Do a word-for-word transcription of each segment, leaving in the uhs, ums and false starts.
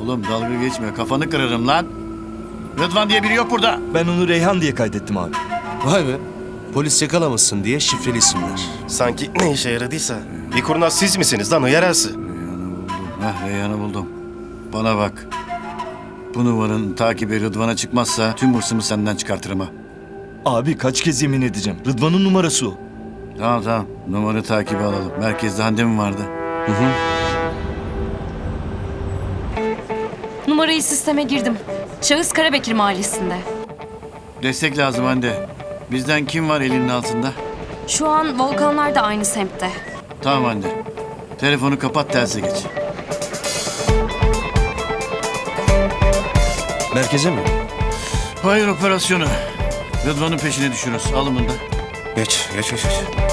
Oğlum dalga geçme, kafanı kırarım lan. Rıdvan diye biri yok burada. Ben onu Reyhan diye kaydettim abi. Vay be. Polis yakalamasın diye şifreli isimler. Sanki ne işe yaradıysa. Bir kurnaz siz misiniz lan o yarası? Heh, Reyhan'ı buldum. Bana bak. Bu numaranın takibi Rıdvan'a çıkmazsa tüm hırsımı senden çıkartırım ha. Abi kaç kez yemin edeceğim. Rıdvan'ın numarası o. Tamam tamam. Numara takibi alalım. Merkezde Hande mi vardı? Hı hı. Numarayı sisteme girdim. Şahıs Karabekir Mahallesi'nde. Destek lazım Hande. Bizden kim var elinin altında? Şu an Volkanlar da aynı semtte. Tamam Hande. Telefonu kapat, telsize geç. Merkeze mi? Hayır, operasyonu. Rıdvan'ın peşine düşürüz. Alın bunu da. Geç, geç, geç. geç.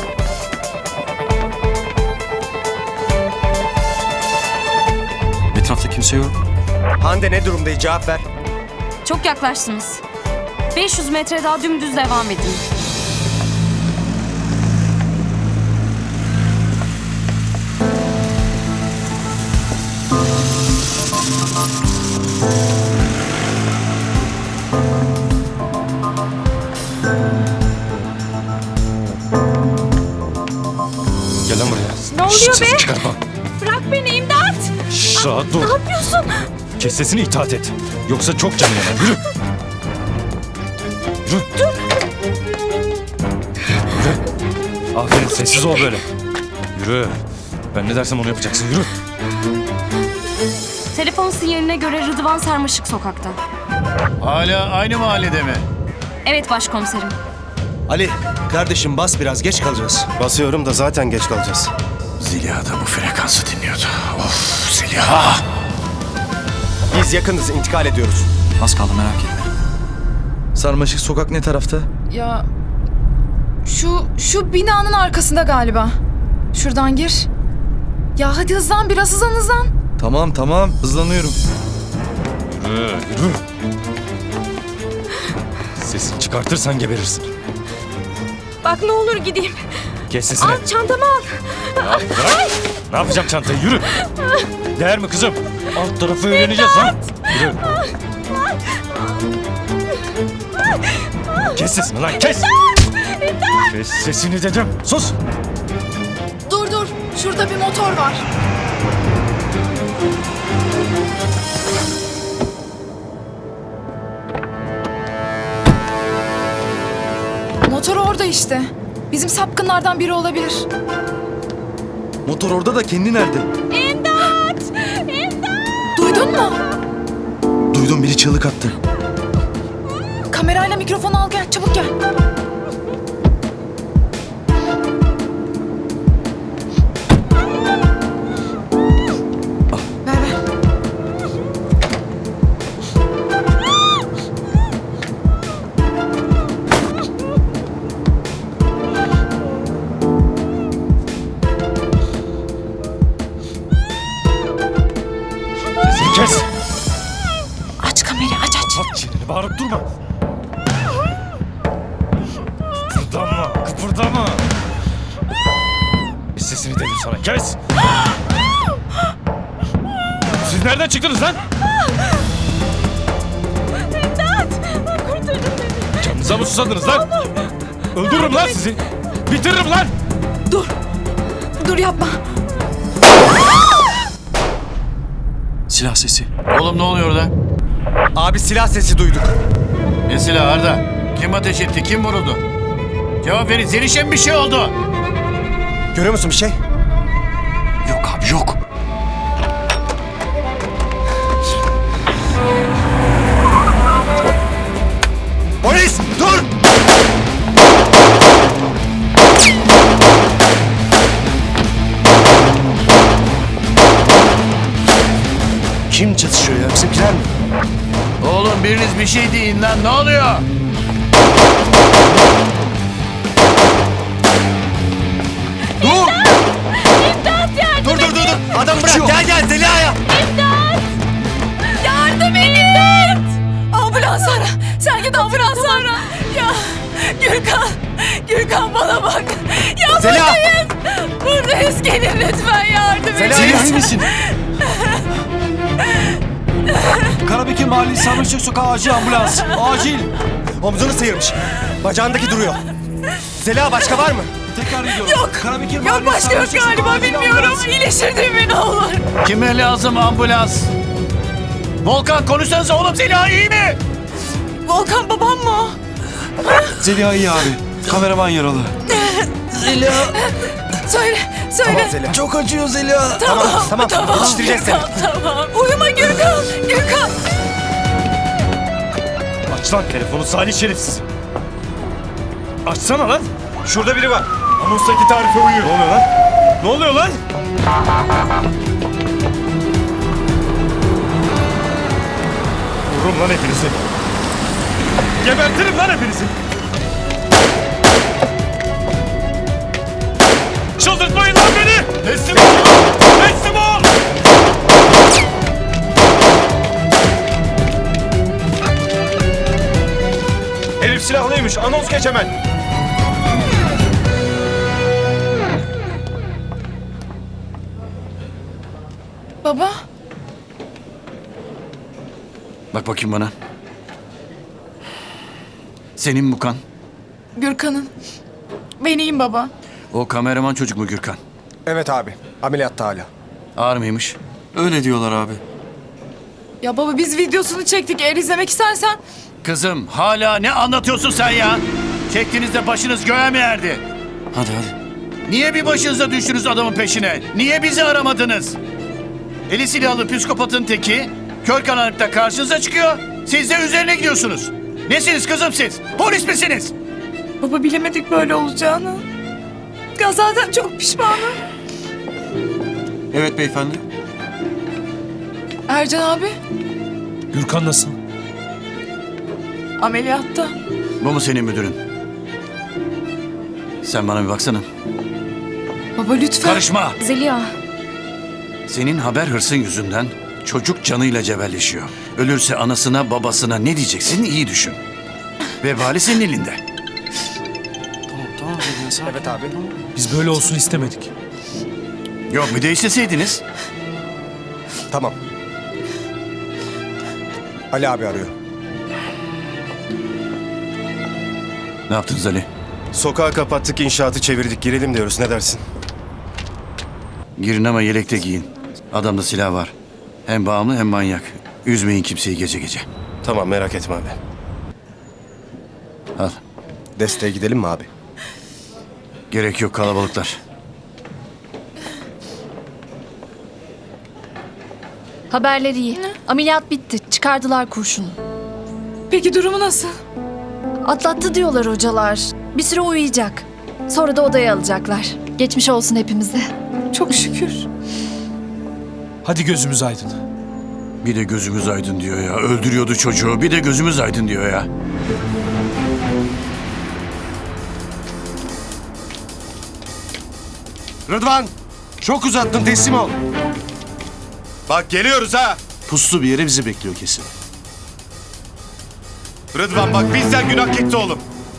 Etrafta kimse yok. Hande ne durumdayız? Cevap ver. Çok yaklaştınız. beş yüz metre daha dümdüz devam edin. Gel lan buraya. Ne oluyor be? Çıkartma. Bırak beni, imdat! Şşş, rahat dur. Ne yapıyorsun? Kes sesini, itaat et. Yoksa çok canı yanar. Yürü. Yürü. Dur. Yürü. Aferin, sessiz ol böyle. Yürü. Ben ne dersem onu yapacaksın. Yürü. Telefon sinyaline göre Rıdvan Sarmaşık sokakta. Hala aynı mahallede mi? Evet başkomiserim. Ali, kardeşim bas biraz, geç kalacağız. Basıyorum da zaten geç kalacağız. Zeliha da bu frekansı dinliyordu. Of Zeliha! Biz yakınız, intikal ediyoruz. Az kaldı, merak etme. Sarmaşık sokak ne tarafta? Ya şu şu binanın arkasında galiba. Şuradan gir. Ya hadi hızlan biraz hızlan hızlan. Tamam tamam hızlanıyorum. Yürü. Yürü. Sesini çıkartırsan geberirsin. Bak ne olur gideyim. Kes sesini. Al çantamı al. Ya bırak. Ne yapacağım çantayı? Yürü. Değer mi kızım? Alt tarafı öğreneceğiz lan. Yürü. Kes sesini lan, kes. Kes sesini dedim. Sus. Dur dur. Şurada bir motor var. Motor orada işte. Bizim sapkınlardan biri olabilir. Motor orada da kendi nerede? Duydun mu? Duydum, biri çığlık attı. Kamerayla mikrofonu al gel. Çabuk gel. Ver ver. Sesini kes. Aç kamerayı aç aç. Aç çeneni, bağırıp durma. Kıpırdama, kıpırdama. Kes sesini dedim sana, kes. Siz nereden çıktınız lan? İmdat! Kurtarın beni. Canınıza mı susadınız lan? Öldürürüm lan sizi. Bitiririm lan. Dur. Dur yapma. Silah sesi. Oğlum ne oluyor orada? Abi silah sesi duyduk. Ne silahı Arda? Kim ateş etti? Kim vuruldu? Cevap verin. Zeliş'e mi bir şey oldu? Görüyor musun bir şey? Yok abi, yok. Polis, dur! Kim çatışıyor ya? Bizimkiler mi? Oğlum biriniz bir şey deyin lan. Ne oluyor? Dur! İmdat yardım Dur dur dur dur! Adam bırak! Gel gel Zeliha'ya! Yardım edin. Ambulans ara. Sen git ambulans ara. Ya Gürkan. Gürkan bana bak. Ya Zeliha! buradayız. Buradayız. Gelin lütfen yardım edin. Zeliha iyi misin? Karabekir Mahallesi Sarmaşık Sokağı acil ambulans. Acil. Omzunu sıyırmış. Bacağındaki duruyor. Zeliha başka var mı? Tekrar ediyorum. Yok. Karabekir Yok Mahallesi başka yok Sarmaşık Sokağı galiba acil bilmiyorum. ambulans. İyileştir değil mi ne olur? Kime lazım ambulans? Volkan konuşsanıza oğlum, Zeliha iyi mi? Volkan babam mı o? Zeliha iyi abi. Kameraman yaralı. Zeliha. Söyle, söyle. Tamam Zeliha. Çok acıyor Zeliha. Tamam, tamam. Tamam, Yetiştireceğiz seni. Gürkan, tamam. Uyuma Gürkan, Gürkan. Aç lan telefonu Salih şerefsiz. Açsana lan. Şurada biri var. Anonstaki tarife uyuyor. Ne oluyor lan? Ne oluyor lan? Vururum lan hepinizi. Gebertirim lan hepinizi. Çıldırtmayın lan beni. Teslim ol. Teslim ol. Herif silahlıymış. Anons geç hemen. Baba, Bak bakayım bana. Senin bu kan. Gürkan'ın. Ben iyiyim baba. O kameraman çocuk mu Gürkan? Evet abi. Ameliyatta hala. Ağır mıymış? Öyle diyorlar abi. Ya baba biz videosunu çektik. Eğer izlemek istersen. Kızım hala ne anlatıyorsun sen ya? Çektiğinizde başınız göğe mi erdi? Hadi hadi. Niye bir başınıza düştünüz adamın peşine? Niye bizi aramadınız? Eli silahlı psikopatın teki kör karanlıkta karşınıza çıkıyor. Siz de üzerine gidiyorsunuz. Nesiniz kızım siz? Polis misiniz? Baba bilemedik böyle olacağını. Ya zaten çok pişmanım. Evet beyefendi. Ercan abi Gürkan nasıl? ameliyatta. Bu mu senin müdürün? Sen bana bir baksana. Baba lütfen. Karışma. Zeliha. Senin haber hırsın yüzünden çocuk canıyla cebelleşiyor. Ölürse anasına babasına ne diyeceksin iyi düşün. Vebali senin elinde. Evet abi. Biz böyle olsun istemedik. Yok bir de isteseydiniz. Tamam. Ali abi arıyor. Ne yaptınız Ali? Sokağı kapattık, inşaatı çevirdik. Girelim diyoruz. Ne dersin? Girin ama yelekte giyin. Adamda silah var. Hem bağımlı hem manyak. Üzmeyin kimseyi gece gece. Tamam merak etme abi. Al. Desteğe gidelim mi abi? Gerek yok kalabalıklar. Haberleri iyi. Ameliyat bitti. Çıkardılar kurşunu. Peki durumu nasıl? Atlattı diyorlar hocalar. Bir süre uyuyacak. Sonra da odaya alacaklar. Geçmiş olsun hepimize. Çok şükür. Hadi gözümüz aydın. Bir de gözümüz aydın diyor ya. Öldürüyordu çocuğu. Bir de gözümüz aydın diyor ya. Rıdvan! Çok uzattın, teslim ol. Bak geliyoruz ha. Puslu bir yere bizi bekliyor kesin. Rıdvan bak bizden günah gitti oğlum.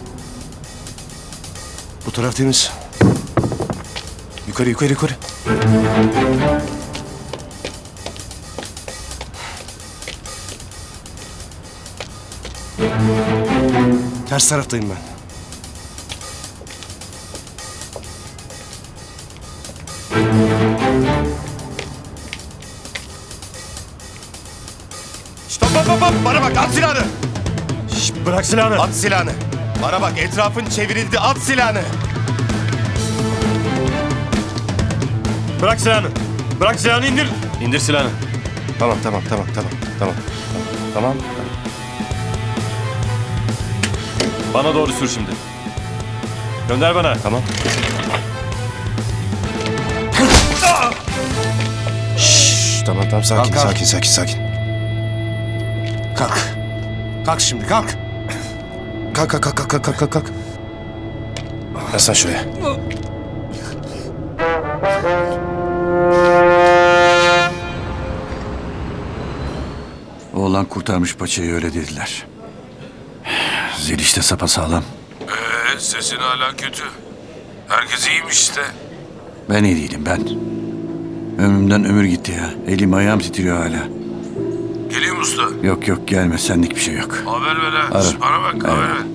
Bu taraf temiz. Yukarı yukarı yukarı. Ters taraftayım ben. Stop hop hop hop. Bana bak at silahını. Şş, bırak silahını. At silahını. Bana bak etrafın çevrildi. At silahını. Bırak silahını. Bırak silahını indir. İndir silahını. Tamam tamam tamam tamam tamam. Tamam. Bana doğru sür şimdi. Gönder bana. Tamam. Şşş, tamam tamam sakin Kalk, kalk. sakin sakin sakin. Kalk. Kalk şimdi, kalk. Kalk kalk kalk kalk kalk kalk kalk. Yaslan şuraya. Oğlan kurtarmış paçayı öyle dediler. Zeliş de sapasağlam. Ee, sesin hala kötü. Herkes iyiymiş işte. Ben iyi değilim ben. Ömrümden ömür gitti ya. Elim ayağım titriyor hala. Geleyim usta. Yok yok gelme senlik bir şey yok. Haber ver ha. Ara. Bana bak haber ver.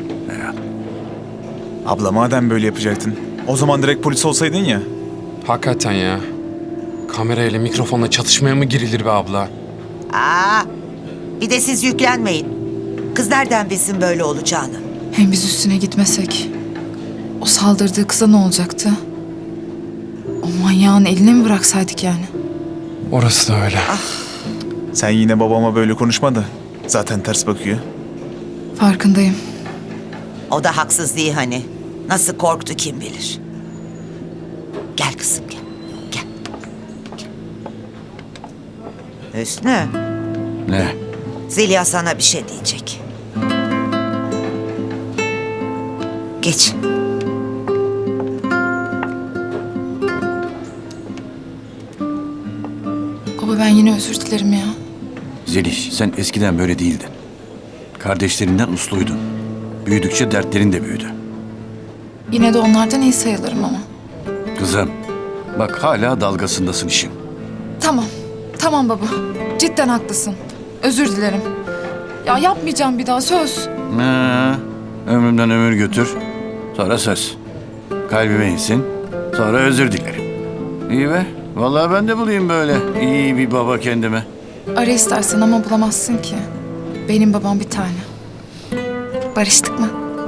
Abla madem böyle yapacaktın, o zaman direkt polis olsaydın ya. Hakikaten ya. Kamerayla mikrofonla çatışmaya mı girilir be abla? Aa, bir de siz yüklenmeyin. Kız nereden bilsin böyle olacağını? Hem biz üstüne gitmesek, o saldırdığı kıza ne olacaktı? O manyağın eline mi bıraksaydık yani? Orası da öyle. Sen yine babama böyle konuşma da. Zaten ters bakıyor. Farkındayım. O da haksız değil hani. Nasıl korktu kim bilir. Gel kızım gel. Gel. Gel. Hüsnü, Ne? Zeliha sana bir şey diyecek. Geç. Baba ben yine özür dilerim ya. Zeliş sen eskiden böyle değildin. Kardeşlerinden usluydun. Büyüdükçe dertlerin de büyüdü. Yine de onlardan iyi sayılırım ama. Kızım bak hala dalgasındasın işin. Tamam. Tamam baba. Cidden haklısın. Özür dilerim. Ya yapmayacağım bir daha söz. Ha, ömrümden ömür götür. Sonra söz. Kalbime insin. Sonra özür dilerim. İyi be. Vallahi ben de bulayım böyle iyi bir baba kendime. Ara istersen ama bulamazsın ki. Benim babam bir tane. Barıştık mı?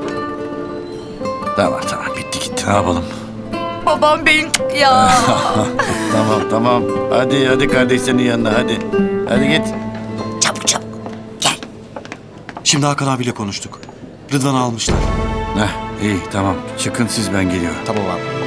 Tamam tamam bitti gitti ne yapalım. Babam benim ya. Tamam tamam. Hadi hadi kardeşlerinin yanına hadi. Hadi git. Çabuk çabuk. Gel. Şimdi Hakan abiyle konuştuk. Rıdvan'ı almışlar. Heh iyi tamam. Çıkın siz ben geliyorum. Tamam abi.